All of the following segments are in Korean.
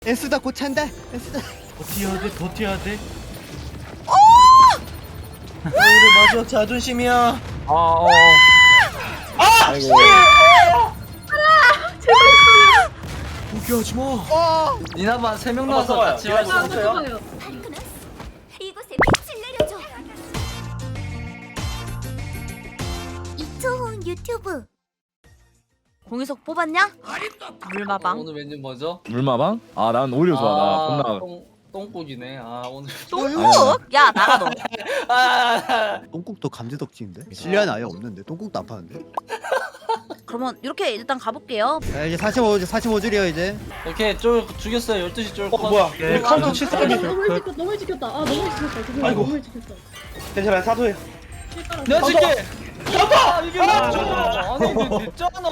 에스다 고찬다. 에스다. 버텨야 돼, 버텨야 돼. 우리 마지막 자존심이야. 아이고. 포기하지 마. 니나만 3명 나와서 봐봐요. 같이 할 수 이거 있어요? 발크나스, 이곳에 빛을 내려줘. 이초훈 유튜브. 공유석 뽑았냐? 물마방. 오늘 메뉴 뭐죠? 물마방? 아 난 오히려 좋아. 나 겁나 똥국이네. 아 오늘 똥국? 야 나가 너. 똥국도 감지덕지인데? 실리안 아예 없는데 똥국도 안 파는데? 그러면 이렇게 일단 가볼게요. 야 이제 45줄이요 이제. 오케이 쫄 죽였어요. 12시 쫄 뭐야? 예. 우리 카운터 아, 7사람이. 너무 일찍 켰다. 너무 일찍 켰다. 그거 아이고. 너무 일찍 켰다. 괜찮아요. 사도해. 내가 줄게. 잡아! 이게 뭐야? 아니 근데 늦잖아.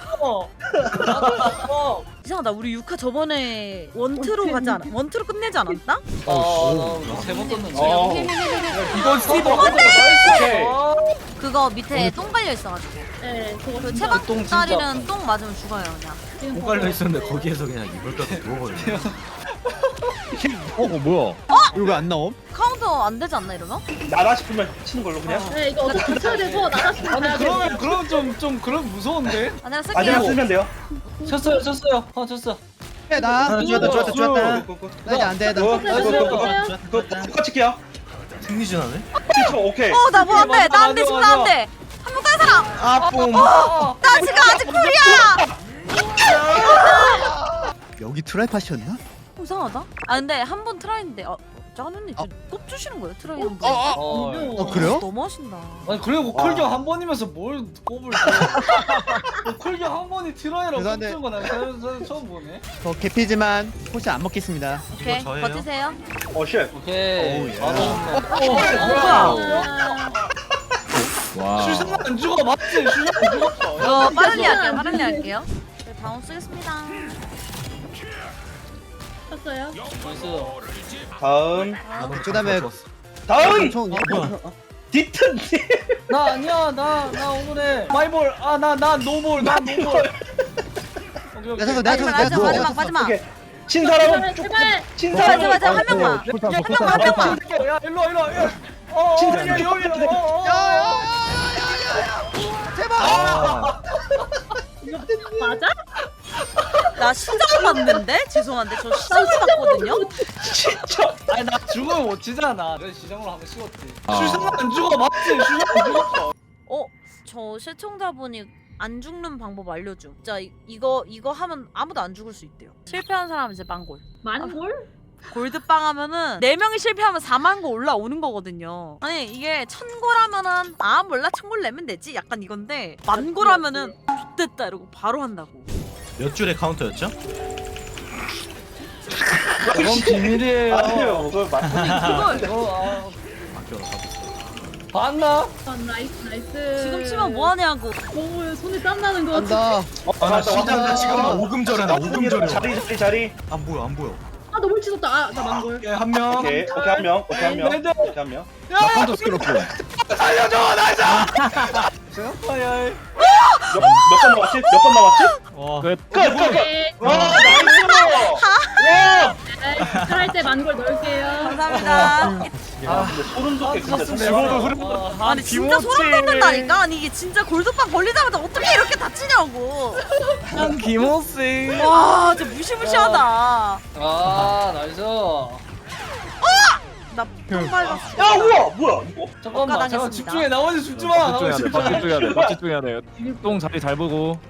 이상하다. 우리 6화 저번에 원트로 가지 않아? 원트로 끝내지 않았나? 세번 떴는데. 이건 스티브. 오케이. 그거 밑에 똥 발려 있어가지고. 네, 그거 그 똥 진짜 체박다리는 똥 맞으면 죽어요 그냥. 지금 똥 깔려 있었는데 거기에서 그냥 이불 까서 누워버려. 뭐야? 이거 왜 안 나옴? 카운터 안 되지 않나 이러면? 나라 싶으면 치는 걸로 그냥. 네, 이거 어떻게 맞춰야 돼서 나가서 가야 돼. 그러면 좀 그럼 무서운데? 아 내가 아니라 쓸게요. 쓰면 돼요. 쳤어요. 쳤어. 해 나. 좋았다. 나 이제 안 돼. 나. 그거 똑같이 킬게요. 승리전하네? 오케이. 나 뭐 안 돼. 나 안 돼. 맞아, 지금 맞아. 나 안 돼. 한 번 딴 사람. 아픔. 나 지금 아직 꿀이야. 여기 트라이팟이었나? 이상하다. 아 근데 한 번 트라이인데 짜는데 꼽 주시는 거예요 트라이 한 번. 그래요? 너무 하신다. 아니 그리고 콜경 한 번이면서 뭘 꼽을 줘? 콜경 한 번이 트라이라고 죄송한데. 꼽는 거난 처음 보네. 개피지만 포션 안 먹겠습니다. 오케이 저예요? 버티세요. 쉣. 오케이. 예. 바로 와. 슈상 안 죽어 맞지? 슈상 안 죽었어. 이거 빠르게 할게요. 빠르게 할게요. 네, 다운 쓰겠습니다. 켰어요? 나이스. 다음. 그다음에 다음. 총 디튼. 나 아니야. 나 오늘에 마이볼. 나 노볼. 나 노볼. 야 잠깐 내가 마지막. 오케이. 친 사람은 쭉. 제발. 친 맞아 사람은. 맞아 한 명만. 한 명만. 야 일로 와. 진짜 여기. 맞아? 나 시장 봤는데 죄송한데 저 시장을 봤거든요. 진짜. 아니 나 죽으면 못 치잖아. 내가 시장으로 한번 씌웠지. 아. 슈상 안 죽어 맞지? 슈상 안 죽었어. 저 시청자분이 안 죽는 방법 알려줘. 진짜 이거 하면 아무도 안 죽을 수 있대요. 실패한 사람은 이제 만골. 만골? 골드빵 하면은 4명이 실패하면 4만 골 올라오는 거거든요. 아니 이게 1000골 하면은 몰라 1000골 내면 되지 약간 이건데 만골 하면은 X됐다 이러고 바로 한다고. 몇 줄의 카운터였죠? 그건 비밀이에요. 아니요. 그걸 맞. 그걸 봤나? 나이스. 지금 치면 뭐 하냐고. 너무 손에 땀 나는 거 같아. 간다. 아나 시장 나 지금 오금절하다 오금절해. 자리. 안 보여. 아 너무 치솟다. 나 만골. 오케이 한 명. 오케이 한 명. 오케이 한 명. 오케이 한 명. 나 카운터 스크럽고. 아야. 몇 번 남았지? 몇 번 남았지? 와. 끝. 끝. 네. 와 나이스. 와. 할때 만골 넣을게요. 감사합니다. 근데 소름 돋게 진짜 죽어도 흐름. 아니 진짜 소름 돋는다니까. 아니 이게 진짜 골드빵 걸리자마자 어떻게 이렇게 다치냐고. 김호씨. 와 진짜 무시무시하다. 나이스. 나똥 밟았어. 야 우와 뭐야 이거? 잠깐만 엇가당했습니다. 집중해. 나머지 죽지 마. 집중해야 나머지 돼. 죽지 마. 집중해야 돼. 집중해야 돼. 똥 자리 잘 보고.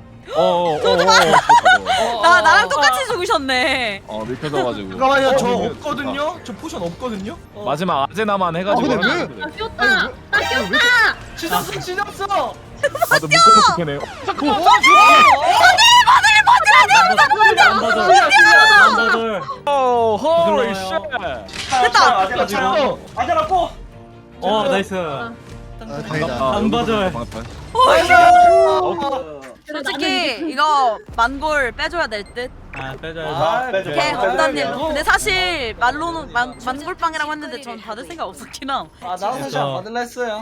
나랑 똑같이 죽으셨네. 밀켜져가지고. 잠깐만요 저 없거든요? 저 포션 없거든요? 마지막 아제나만 해가지고. 근데 왜? 나 꼈다. 나 꼈다. 지졌어. 나도 묶어놓고 캐네. 오, 홀리 쉣. 됐다. 아자라 꼬. 나이스. 다행이다. 안 받아요. 솔직히 이거 만골 빼줘야 될 듯. 빼줘야죠. 빼줘. 오케이 빼줘. 없다님. 근데 사실 말로는 만골빵이라고 했는데 전 받을 생각 없었긴 함. 나도 사실 안 받을라 했어요.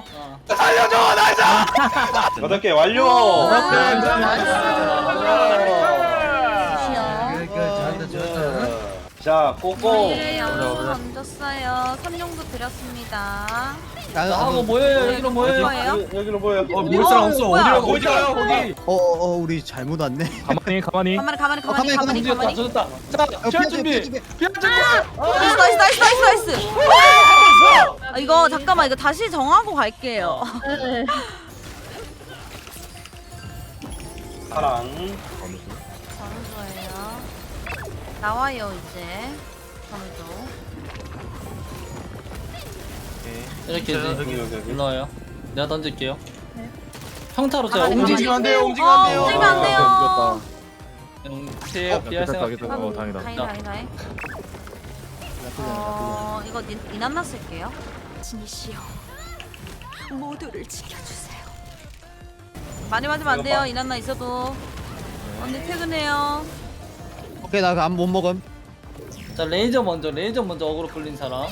8개 완료. 아, 자 꼬꼬. 네. 던졌어요. 선용도 드렸습니다. 하고 뭐예요? 여기로 뭐예요? 뭐예요? 여기로 보여. 볼 사람 없어. 뭐야? 어디 가요 거기? 우리 잘못 왔네. 가만히 가만히. 가만히 가만히. 졌다 졌다. 자, 피할 준비. 피할 준비. 나이스. 아, 이거 잠깐만 이거 다시 정하고 갈게요. 네. 사랑. 점수예요. 나와요 이제. 점수. 이렇게 여기. 올라와요. 내가 던질게요. 평타로 제가 가만히, 움직이면 안 돼요. 움직이면 어, 안 돼요. 움직이면 안 돼요. 피해요. 피할 생각. 다행이다. 다행. 이거 니난나 쓸게요. 진이시여 모두를 지켜주세요. 많이 맞으면 안 돼요. 이난나 있어도. 언니 퇴근해요. 오케이 나 안 못 먹음. 자 레이저 먼저 어그로 끌린 사람.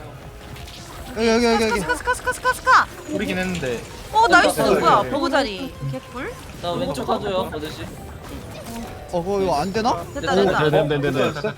여기. 스카. 우리긴 했는데. 나이스. 됐다. 뭐야? 버그 자리. 개꿀. 자 왼쪽 가줘요 아저씨. 이거 안 되나? 됐다. 네네네네.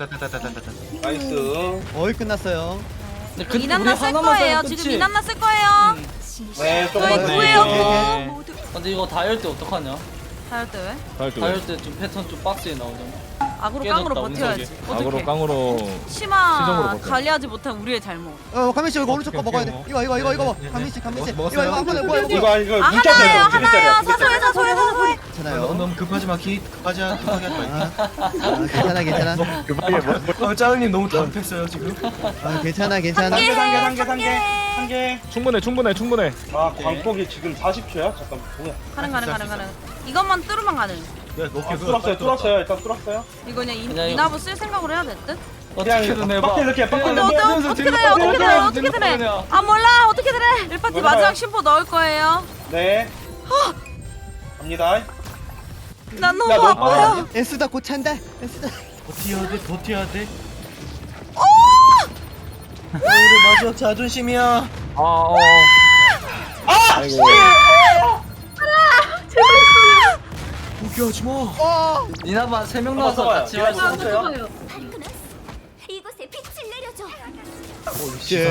나이스. 어이 끝났어요. 근데 이난나 쓸 거예요. 지금 이난나 쓸 거예요. 네 저희 조금만 구해요. 더. 모두 근데 이거 다 열 때 어떡하냐? 다할 때 왜? 다 열 때 좀 패턴 좀 빡세게 나오잖아. 악으로 깨졌다, 깡으로 버텨야지. 악으로 어떻게? 깡으로. 치마 시정으로 버텨. 관리하지 못한 우리의 잘못. 가민 씨 이거 오른쪽 거 먹어야 돼. 이거. 가민 씨. 이거 한 번에 뭐야? 이거 아 문자짜리야, 하나예요. 문자짜리야. 사소해. 괜찮아요. 너무 급하지 마. 급하지 하지 마. 괜찮아. 급하게 뭐. 짜은님 너무 답답했어요 지금. 괜찮아. 한 개. 충분해. 아 광폭이 지금 40초야? 잠깐 뭐야? 가능. 이것만 뚫으면 가능. 뚫었어요. 일단 뚫었어요. 이거 그냥 그냥 이나부 쓸 생각으로 해야 될 듯? 어떻게든 해봐. 빡 이렇게 빡 근데 이렇게. 어떻게든 해. 아 몰라. 어떻게든 해. 1파티 뭐야? 마지막 심포 넣을 거예요. 네. 갑니다. 난 너무 야, 너 아파요. 에스다 곧 찬다. 에스다. 버텨야 돼. 우리 마지막 자존심이야. 아이고. 포기하지 마. 니나만 3명 나와서 봐봐요. 같이 할 수 이거 있어요. 좋아요. 발크너스 이곳에 빛을 내려줘. 씨.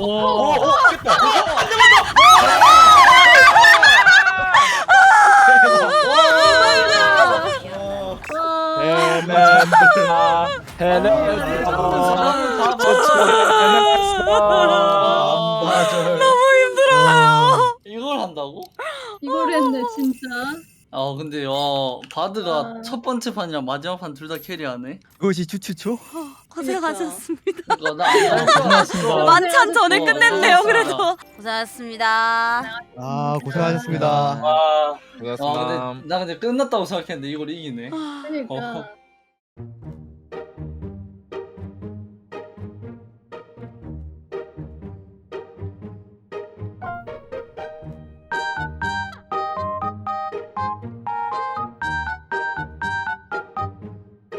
너무 힘들어요. 이걸 한다고? 이걸 했네 진짜. 근데 바드가 아. 첫 번째 판이랑 마지막 판 둘 다 캐리하네. 그것이 추추초? 고생하셨습니다. 이거 나안할 것 같습니다. 만찬 전에 끝냈네요. 고생하셨습니다. 그래도 고생하셨습니다. 고생하셨습니다. 와. 고맙습니다. 나 근데 끝났다고 생각했는데 이걸 이기네. 그러니까.